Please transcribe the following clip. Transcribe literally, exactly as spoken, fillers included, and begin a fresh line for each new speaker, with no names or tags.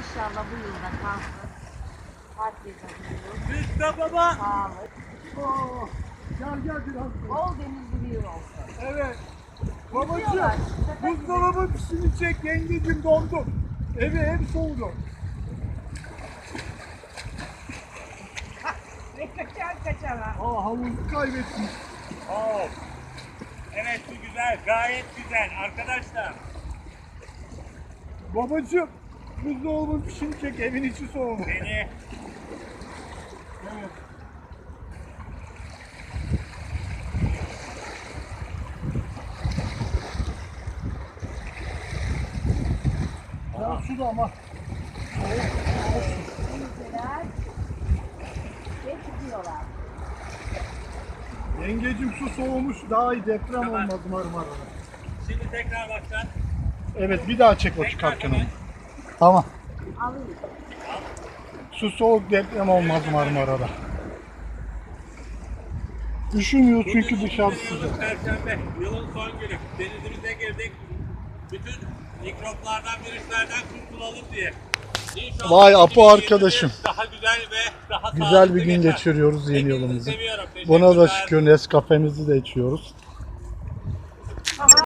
İnşallah bu yılda kalsın. Herkese duyuruz.
Rıza baba.
Sağlık.
Oo, gel gel biraz.
Bol denizli bir yıl olsun.
Evet.
Gidiyorlar.
Babacığım,
Sepet
buzdolabı pişini çek, yengecim dondu. Evi hep soğudu.
Ve kaçar kaçar ha.
Aa, havuzu kaybettim.
Oo. Evet, bu güzel, gayet güzel arkadaşlar.
Babacığım, buzdolabı pişini çek, evin içi soğudu.
Beni
Evet. Ya su da ama.
Denizliler. Ve gidiyorlar.
Yengecim su soğumuş, daha iyi deprem
Tamam.
olmaz Marmara'da.
şimdi tekrar baştan.
Evet, bir daha çek o
Tekrar
çıkarken
hemen.
onu. Tamam.
Alayım.
Su soğuk, deprem olmaz Marmara'da. Üşümüyor çünkü
Bugün
dışarısı
yılın
sıcak.
Perşembe, yılın son günü. Denizimize girdik. Bütün mikroplardan, virüslerden kurtulalım diye. İnşallah
Vay Apo
iki bin yirmi bir
arkadaşım.
Daha güzel ve daha
Güzel
sağlıklı
bir gün
geçer.
geçiriyoruz yeni
Hepinizi
yılımızı.
seviyorum.
Buna da
Teşekkürler.
şükür Nescafe'mizi de içiyoruz.